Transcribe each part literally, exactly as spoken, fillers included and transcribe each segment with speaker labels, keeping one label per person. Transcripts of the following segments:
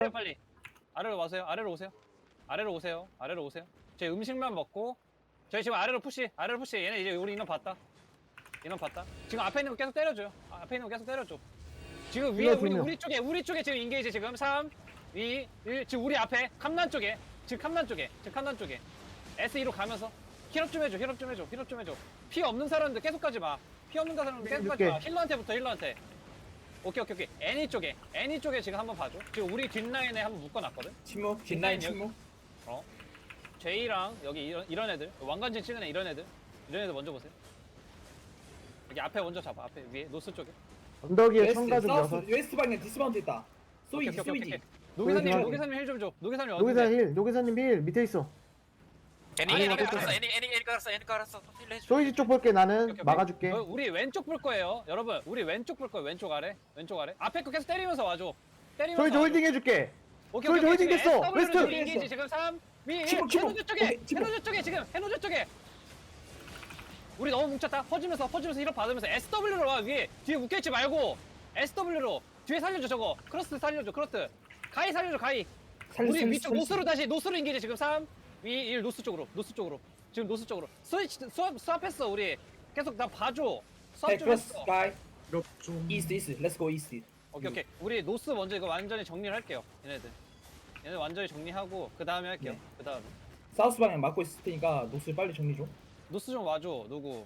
Speaker 1: 빨리 아래로 와세요. 아래로 오세요. 아래로 오세요. 아래로 오세요. 저희 음식만 먹고 저희 지금 아래로 푸시. 아래로 푸시. 얘네 이제 우리 인원 봤다. 인원 봤다. 지금 앞에 있는 거 계속 때려줘요. 아, 앞에 있는 거 계속 때려줘. 지금 위에 우리 우리 쪽에 우리 쪽에 지금 인게이지 지금 삼, 이, 일 지금 우리 앞에 캄난 쪽에 지금 캄난 쪽에 지금 캄난 쪽에 에스이로 가면서 힐업 좀 해줘. 힐업 좀 해줘. 힐업 좀 해줘. 피 없는 사람들 계속 가지 마. 피 없는 사람들 계속 가지 마. 힐러한테부터 힐러한테. 오케이 오케이 오케이. 애니 쪽에 애니 쪽에 지금 한번 봐줘. 지금 우리 뒷라인에 한번 묶어놨거든.
Speaker 2: 침묵 뒷라인 침묵.
Speaker 1: 어. 제이랑 여기 이런, 이런 애들 왕관진 찍은 애 이런 애들 이런 애들 먼저 보세요. 여기 앞에 먼저 잡아. 앞에 위에 노스 쪽에.
Speaker 3: 언덕 위에
Speaker 2: 웨스트
Speaker 3: 청가족
Speaker 2: 사우스
Speaker 3: 여섯.
Speaker 2: 웨스트 방향 디스마운트 있다. 소이지
Speaker 1: 오케이, 오케이, 오케이,
Speaker 2: 소이지.
Speaker 1: 오케이. 노기사님
Speaker 3: 소이지.
Speaker 1: 노기사님 힐 좀 줘. 노기사님
Speaker 3: 노기사
Speaker 1: 어딘데?
Speaker 3: 힐, 노기사님 힐 밑에 있어.
Speaker 4: 애니
Speaker 1: 아니,
Speaker 4: 애니
Speaker 1: 어쨌든.
Speaker 4: 깔았어 애니 애니 애니 깔았어 애니 깔았어 힐 해줘.
Speaker 3: 소이지 쪽 볼게 나는
Speaker 1: 오케이, 오케이.
Speaker 3: 막아줄게.
Speaker 1: 어, 우리 왼쪽 볼 거예요, 여러분. 우리 왼쪽 볼 거예요. 왼쪽 아래, 왼쪽 아래. 앞에 거 계속 때리면서 와줘. 때리면서.
Speaker 3: 소이지
Speaker 1: 와줘.
Speaker 3: 홀딩 해줄게.
Speaker 1: 오케이,
Speaker 3: 소이지
Speaker 1: 오케이,
Speaker 3: 홀딩
Speaker 1: 지금
Speaker 3: 됐어.
Speaker 1: 에스더블유로
Speaker 3: 웨스트.
Speaker 1: 지금 인게이지 지금 삼, 이, 일.
Speaker 2: 침묵, 침묵.
Speaker 1: 해노저 쪽에,
Speaker 2: 오케이, 침묵.
Speaker 1: 해노저 쪽에 지금 해노저 쪽에. 우리 너무 뭉쳤다. 퍼지면서 퍼지면서 힐업 받으면서 에스더블유로 와 위에 뒤에 묶여있지 말고 에스더블유로 뒤에 살려줘 저거. 크로스 살려줘 크로스. 가이 살려줘 가이.
Speaker 2: 살릴
Speaker 1: 우리
Speaker 2: 수
Speaker 1: 위쪽
Speaker 2: 있어.
Speaker 1: 노스로 다시 노스로 인게이지 지금 삼, 이, 일 노스 쪽으로 노스 쪽으로 지금 노스 쪽으로 스위치 수압 수압했어 우리 계속 나 봐줘 수압 좀
Speaker 2: 크로스
Speaker 1: 했어.
Speaker 2: 스카이. 이스트 이스트. 렛츠 고 이스트.
Speaker 1: 오케이 오케이 우리 노스 먼저 이거 완전히 정리를 할게요 얘네들 얘네 완전히 정리하고 그 다음에 할게요
Speaker 2: 네.
Speaker 1: 그 다음에
Speaker 2: 사우스 방향 막고 있을 테니까 노스 빨리 정리 좀.
Speaker 1: 노스 좀 와줘 누구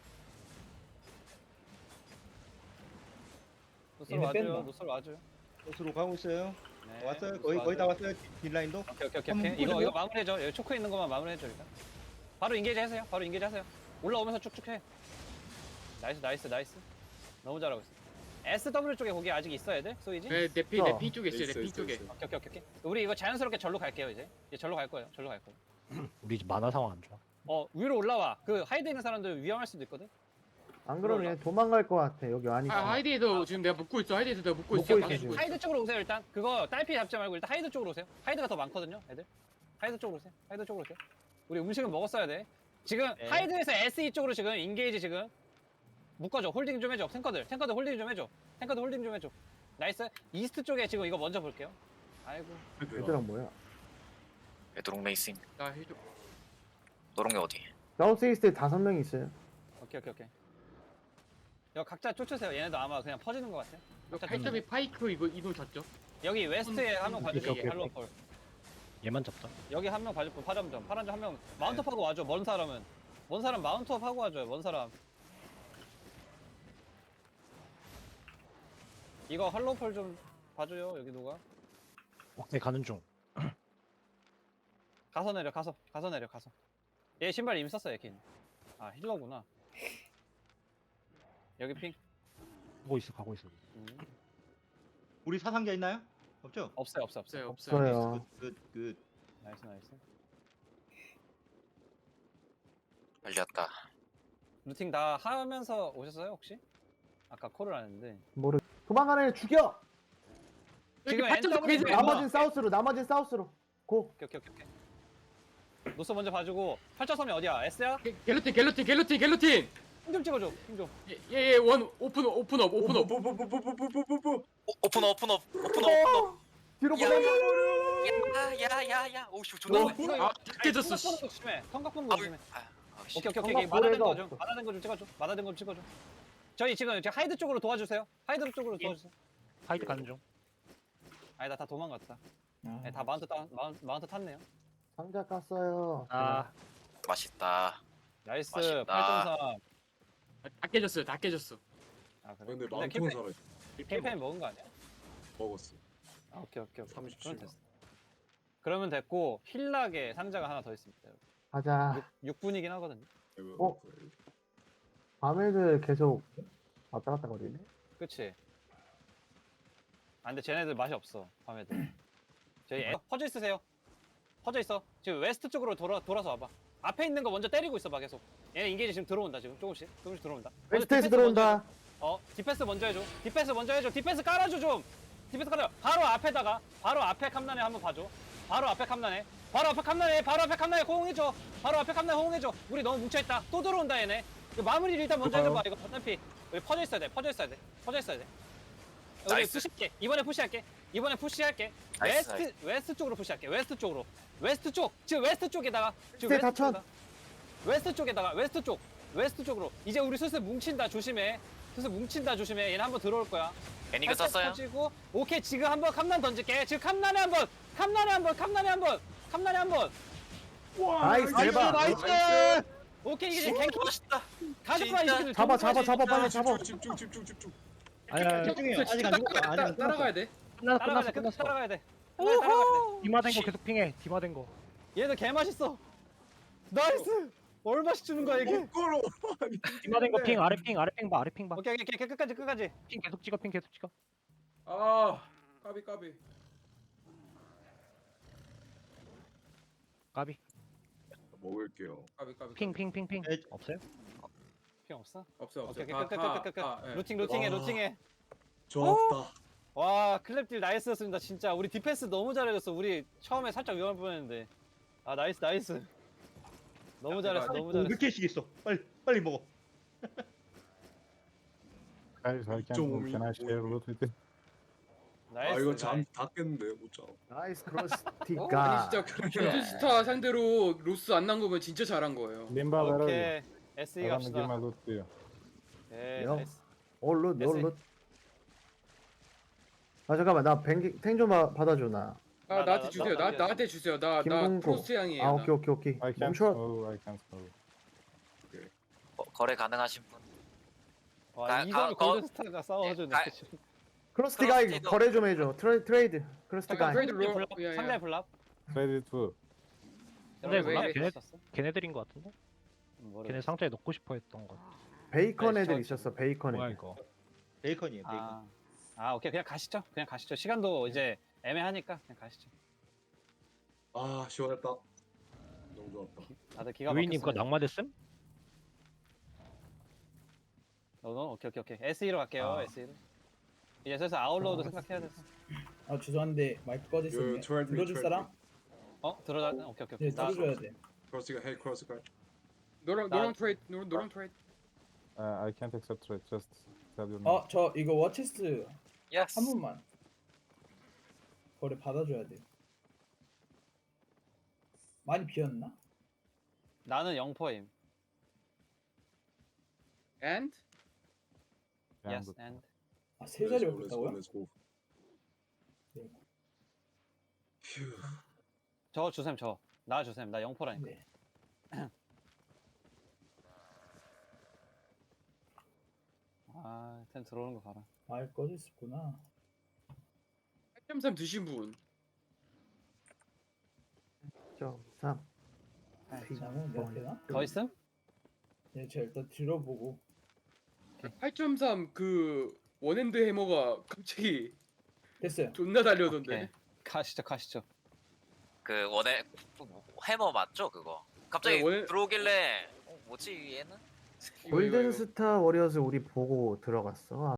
Speaker 1: 노스로
Speaker 2: 얘네
Speaker 1: 와줘요
Speaker 2: 뺀다.
Speaker 1: 노스로 와줘요
Speaker 5: 곳으로 가고 있어요.
Speaker 1: 네,
Speaker 5: 왔어요.
Speaker 1: 노스
Speaker 5: 거의 거의 다
Speaker 1: 와줘요.
Speaker 5: 왔어요. 딜라인도.
Speaker 1: 오케이 오케이 오케이,
Speaker 5: 한번
Speaker 1: 오케이. 이거
Speaker 5: 보여줘요.
Speaker 1: 이거 마무리해줘 여기 초크에 있는 것만 마무리해줘 일단 바로 인게이지 하세요 바로 인게이지 하세요 올라오면서 쭉쭉 해 나이스 나이스 나이스 너무 잘하고 있어 에스더블유 쪽에 거기 아직 있어야 돼 소이지?
Speaker 6: 네, 내 피,
Speaker 3: 어.
Speaker 6: 내 피 쪽에 있어요, 내 피 쪽에.
Speaker 1: 오케이 오케이 오케이 오케이 우리 이거 자연스럽게 절로 갈게요 이제 이제 절로 갈 거예요 절로 갈 거예요
Speaker 7: 우리 집 만화 상황 안 좋아.
Speaker 1: 어 위로 올라와 그 하이드 있는 사람들 위험할 수도 있거든
Speaker 3: 안 그러면 얘 도망갈 것 같아. 여기
Speaker 6: 아,
Speaker 3: 아니까.
Speaker 6: 하이드에도 지금 내가 묶고 있어, 하이드에서 내가 묶고
Speaker 3: 묶고
Speaker 6: 있어.
Speaker 3: 있어,
Speaker 6: 막
Speaker 3: 지금.
Speaker 6: 묶고 있어.
Speaker 1: 하이드 쪽으로 오세요 일단 그거 딸피 잡지 말고 일단 하이드 쪽으로 오세요 하이드가 더 많거든요 애들 하이드 쪽으로 오세요 하이드 쪽으로 오세요 우리 음식은 먹었어야 돼 지금
Speaker 4: 네.
Speaker 1: 하이드에서 에스이 쪽으로 지금 인게이지 지금 묶어줘 홀딩 좀 해줘 탱커들 탱커들 홀딩 좀 해줘 탱커들 홀딩 좀 해줘 나이스 이스트 쪽에 지금 이거 먼저 볼게요 아이고
Speaker 3: 얘들은 뭐야?
Speaker 4: 레드롱 레이싱
Speaker 6: 나 해줘.
Speaker 4: 노롱이 어디?
Speaker 3: 사우스 이스트에 다섯 명 있어요.
Speaker 1: 오케이 오케이 오케이 이거 각자 쫓으세요 얘네도 아마 그냥 퍼지는 것 같아요 각자
Speaker 6: 팔 점이 파이크 이거 이거 잤죠?
Speaker 1: 여기 웨스트에 한 명
Speaker 7: 오케이,
Speaker 1: 봐주세요
Speaker 7: 오케이,
Speaker 1: 할로폴
Speaker 7: 얘만 잡다.
Speaker 1: 여기 한 명 봐주고 파란점 파란점 한 명 마운트업 하고 와줘 먼 사람은 먼 사람 마운트업 하고 와줘요 먼 사람 이거 할로폴 좀 봐줘요 여기 누가
Speaker 7: 옥내 가는 중.
Speaker 1: 가서 내려 가서 가서 내려 가서 얘 신발 이미 썼어 얘긴 아 힐러구나 여기 핑
Speaker 7: 가고 있어, 가고 있어.
Speaker 1: 음.
Speaker 5: 우리 사상자 있나요? 없죠?
Speaker 1: 없어요 없어요 없어요
Speaker 6: 없어요, 없어요.
Speaker 3: 없어요.
Speaker 5: 굿, 굿.
Speaker 1: 나이스 나이스
Speaker 4: 빨리 왔다.
Speaker 1: 루팅 다 하면서 오셨어요 혹시? 아까 콜을 안 했는데
Speaker 3: 모르. 도망가는 애 죽여.
Speaker 1: 지금
Speaker 6: 팔 점
Speaker 1: 엔더블
Speaker 6: 계속
Speaker 1: 네,
Speaker 3: 나머진 사우스로. 나머진 사우스로. 고.
Speaker 1: 오케이 오케이 오케이 오케이 노스 먼저 봐주고 팔점삼이 어디야? S야?
Speaker 6: 게- 갤러틴, 갤러틴, 갤러틴, 갤러틴.
Speaker 1: 힘 좀 찍어줘 힘좀
Speaker 6: 예, 예, 예, 원 오픈, 오픈업, 오픈업.
Speaker 2: 뽀뽀뽀뽀뽀뽀뽀뽀뽀.
Speaker 4: 오, 오픈업 오픈업 오픈업 오픈업.
Speaker 3: 뒤로
Speaker 4: 야.
Speaker 3: 보내.
Speaker 4: 야야야야. 오씨 존나.
Speaker 3: 어?
Speaker 4: 오네.
Speaker 6: 아, 다 깨졌어. 씨.
Speaker 1: 성각 보는 거 조심해 성각 보는 거
Speaker 4: 아,
Speaker 1: 조심해
Speaker 4: 아, 아, 씨.
Speaker 1: 오케이 오케이 오케이
Speaker 3: 성각
Speaker 1: 마다된
Speaker 3: 보내가
Speaker 1: 거좀
Speaker 3: 없어.
Speaker 1: 마다된 거 좀 찍어줘 마다된 거 좀 찍어줘 저희 지금 이제 하이드 쪽으로 도와주세요 하이드 쪽으로 도와주세요
Speaker 7: 하이드 가는 중.
Speaker 1: 아니다 다 도망갔다
Speaker 2: 아,
Speaker 1: 네, 다 마운트 따, 마운트, 마운트 탔네요
Speaker 3: 상자 깠어요.
Speaker 7: 아,
Speaker 4: 맛있다.
Speaker 1: 나이스
Speaker 4: 맛있다.
Speaker 1: 팔점삼
Speaker 6: 다 깨졌어요, 다 깨졌어.
Speaker 1: 아 그래?
Speaker 8: 근데
Speaker 1: 근데
Speaker 8: 마운트는
Speaker 1: 캠페인,
Speaker 8: 살아있어.
Speaker 1: 캠페인 먹은 거 아니야?
Speaker 8: 먹었어.
Speaker 1: 아 오케이 오케이 오케이
Speaker 8: 삼십칠
Speaker 1: 그러면
Speaker 8: 번.
Speaker 1: 됐어 그러면 됐고 힐락에 상자가 하나 더 있습니다 여러분.
Speaker 3: 가자.
Speaker 1: 육 분이긴 하거든요
Speaker 3: 어? 밤에들 계속 왔다 갔다 거리네.
Speaker 1: 그치? 아 근데 쟤네들 맛이 없어 밤에들 저희 애, 퍼져 있으세요 퍼져 있어 지금 웨스트 쪽으로 돌아, 돌아서 와봐 앞에 있는 거 먼저 때리고 있어 봐 계속 얘네 인게이지 지금 들어온다 지금 조금씩 조금씩 들어온다 먼저
Speaker 3: 웨스트에서
Speaker 1: 디펜스
Speaker 3: 들어온다.
Speaker 1: 먼저 해줘. 어 디펜스 먼저 해줘 디펜스 먼저 해줘 디펜스 깔아줘 좀 디펜스 깔아줘 바로 앞에다가 바로 앞에 캄난에 한번 봐줘 바로 앞에 캄난에 바로 앞에 캄난에 바로 앞에 캄난에 호응해줘 바로 앞에 캄난에 호응해줘 우리 너무 뭉쳐있다 또 들어온다 얘네 이거 마무리를 일단 먼저 해줘봐 이거 어차피 우리 퍼져 있어야 돼 퍼져 있어야 돼 퍼져 있어야 돼 우리
Speaker 4: 나이스.
Speaker 1: 푸시할게 이번에 푸시할게 이번에 푸시할게.
Speaker 4: 나이스,
Speaker 1: 웨스트 웨스트 쪽으로 푸시할게. 웨스트 쪽으로. 웨스트 쪽. 지금 웨스트 쪽에다가 지금
Speaker 3: 네,
Speaker 1: 웨스트
Speaker 3: 다천.
Speaker 1: 쪽에다가. 웨스트 쪽에다가 웨스트 쪽. 웨스트 쪽으로. 이제 우리 슬슬 뭉친다. 조심해. 슬슬 뭉친다. 조심해. 얘는 한번 들어올 거야.
Speaker 4: 애니가
Speaker 1: 살짝
Speaker 4: 썼어요?
Speaker 1: 터지고. 오케이. 지금 한번 캄난 던질게. 지금 캄난에 한번. 캄난에 한번. 캄난에 한번. 캄난에 한번.
Speaker 3: 나이스 대박.
Speaker 7: 나이스!
Speaker 1: 오케이. 이게 지금 갱킹
Speaker 4: 멋있다.
Speaker 1: 가져봐 이
Speaker 4: 진짜.
Speaker 1: 새끼들.
Speaker 3: 잡아 잡아 잡아 빨리 잡아.
Speaker 2: 집중 집중 집중.
Speaker 7: 아니야,
Speaker 5: 집중해요. 아직 안 죽었어. 아직 안
Speaker 6: 따라가야 돼.
Speaker 7: 끝났어,
Speaker 1: 따라가야
Speaker 7: 끝났어,
Speaker 1: 돼. 끝까지
Speaker 7: 끝났어.
Speaker 1: 따라가야 돼. 끝까지 따라가야 돼.
Speaker 7: 디마된 거 계속 핑해, 디마된 거.
Speaker 1: 얘들 개 맛있어. 나이스. 얼마씩 주는 거야 이게?
Speaker 2: 거꾸로.
Speaker 7: 디마된 거 핑, 아래 핑, 아래 핑 봐, 아래 핑 봐.
Speaker 1: 오케이 오케이 오케이 끝까지 끝까지.
Speaker 7: 핑 계속 찍어, 핑 계속 찍어.
Speaker 6: 아 까비 까비.
Speaker 7: 까비.
Speaker 2: 먹을게요.
Speaker 6: 까비 까비.
Speaker 7: 핑, 핑, 핑, 핑.
Speaker 5: 네.
Speaker 7: 없어요?
Speaker 1: 필요 없어?
Speaker 6: 없어 없어.
Speaker 1: 오케이 오케이
Speaker 6: 다- 다-
Speaker 1: 끝끝끝끝.
Speaker 6: 아, 예.
Speaker 1: 루팅 루팅해
Speaker 2: 와.
Speaker 1: 루팅해.
Speaker 2: 좋았다.
Speaker 1: 와 클랩딜 나이스였습니다 진짜. 우리 디펜스 너무 잘해줬어. 우리 처음에 살짝 위험할 뻔했는데. 아 나이스 나이스. 너무 잘했어 너무 잘했어.
Speaker 5: 몇 개씩 있어. 빨리 빨리 먹어.
Speaker 8: Guys, I can't
Speaker 2: 좀
Speaker 8: move. Can I share a little bit?
Speaker 1: 나이스.
Speaker 2: 아 이거 잠
Speaker 1: 나이스.
Speaker 2: 다 깼는데 못 자.
Speaker 3: 나이스
Speaker 6: 아니
Speaker 3: 크로스티가.
Speaker 6: 진짜 견제스타 상대로 로스 안 난 거면 진짜 잘한 거예요.
Speaker 8: Limba, where are you?
Speaker 1: 오케이. 에스이
Speaker 8: I wanna give
Speaker 1: 갑시다.
Speaker 8: my loot to you.
Speaker 1: 오케이
Speaker 3: 영.
Speaker 1: 나이스.
Speaker 3: 올룻
Speaker 1: 됐어.
Speaker 3: 올룻. 아 잠깐만 나 탱좀 받아줘 나.
Speaker 6: 아
Speaker 1: 나-
Speaker 6: 나한테
Speaker 1: 나-
Speaker 6: 주세요.
Speaker 1: 나-
Speaker 6: 나
Speaker 1: 나-
Speaker 6: 나한테 주세요. 나 나
Speaker 3: 김동국.
Speaker 6: 크로스 향이에요.
Speaker 3: 아
Speaker 6: 나.
Speaker 3: 오케이 오케이 오케이.
Speaker 8: I can't
Speaker 3: 멈춰.
Speaker 8: move. I can't move.
Speaker 4: 거, 거래 가능하신 분.
Speaker 1: 와
Speaker 4: 가-
Speaker 1: 이걸
Speaker 4: 가-
Speaker 1: 골든스타가 싸워주네.
Speaker 4: 가-
Speaker 3: 크로스티가
Speaker 4: 크로스티도-
Speaker 3: 거래 좀 해줘. 트레, 트레이드. 크로스티가.
Speaker 6: 잠깐, 트레이드
Speaker 1: 상대
Speaker 6: 로-
Speaker 1: 블랍.
Speaker 6: 야, 야.
Speaker 1: 상대 블랍.
Speaker 8: Trade it too.
Speaker 7: 근데
Speaker 6: 왜,
Speaker 7: 몰라,
Speaker 6: 왜,
Speaker 7: 걔네, 걔네들인 거 같은데?
Speaker 1: 모르겠어.
Speaker 7: 걔네 상자에 넣고 싶어 했던 거.
Speaker 3: 베이컨
Speaker 1: 네,
Speaker 3: 애들
Speaker 1: 저-
Speaker 3: 있었어. 베이컨
Speaker 7: 뭐야
Speaker 3: 애들.
Speaker 7: 이거?
Speaker 5: 베이컨이에요. 베이컨.
Speaker 1: 아, 아 오케이 그냥 가시죠. 그냥 가시죠. 시간도 이제 애매하니까 그냥 가시죠.
Speaker 2: 아 시원했다. 너무 좋았다.
Speaker 1: 다들 기가
Speaker 7: 유이님 그거
Speaker 1: 막혔어요.
Speaker 7: 낙마됐음?
Speaker 1: 너, 너, 오케이 오케이 오케이. 에스이로 갈게요.
Speaker 7: 아.
Speaker 1: 에스이로. 이제 슬슬 아웃로우도 생각해야 돼서.
Speaker 2: 아 죄송한데 마이크 꺼졌으면 들어줄 사람?
Speaker 1: 어 들어가. 오케이 오케이 오케이.
Speaker 2: 네
Speaker 1: 나-
Speaker 2: 들어줘야 돼.
Speaker 9: 크로스가 헤이 크로스가
Speaker 6: 노랑
Speaker 1: 나-
Speaker 6: 노랑 트레이드 노랑 노랑 트레이드.
Speaker 8: Uh, I can't accept trade. Just tell your name.
Speaker 2: 어 저 이거 워체스트
Speaker 4: 예스.
Speaker 2: 한 분만 거래 받아줘야 돼. 많이 비었나?
Speaker 1: 나는 영포임.
Speaker 6: And
Speaker 8: Yeah,
Speaker 1: Yes
Speaker 8: but
Speaker 1: and.
Speaker 2: 아 세 자리 없다고요?
Speaker 1: 저 주셈 저. 나 주셈. 나 영포라니까.
Speaker 2: 네.
Speaker 1: 아, 템 들어오는 거 봐라.
Speaker 2: 마이크 꺼졌었구나.
Speaker 6: 팔 점 삼 드신 분.
Speaker 3: 점 삼.
Speaker 2: 장은 몇 개나?
Speaker 1: 더 있음?
Speaker 2: 네, 제가 일단 들어보고.
Speaker 6: 팔 점 삼 그 원핸드 해머가 갑자기
Speaker 2: 됐어요.
Speaker 6: 존나 달려던데.
Speaker 1: 오케이. 가시죠 가시죠.
Speaker 4: 그 원에 해머 맞죠 그거? 갑자기
Speaker 6: 네, 원해-
Speaker 4: 들어오길래 어, 뭐지 얘는?
Speaker 6: 이거, 이거, 이거.
Speaker 3: 골든스타 워리어스 우리 보고 들어갔어.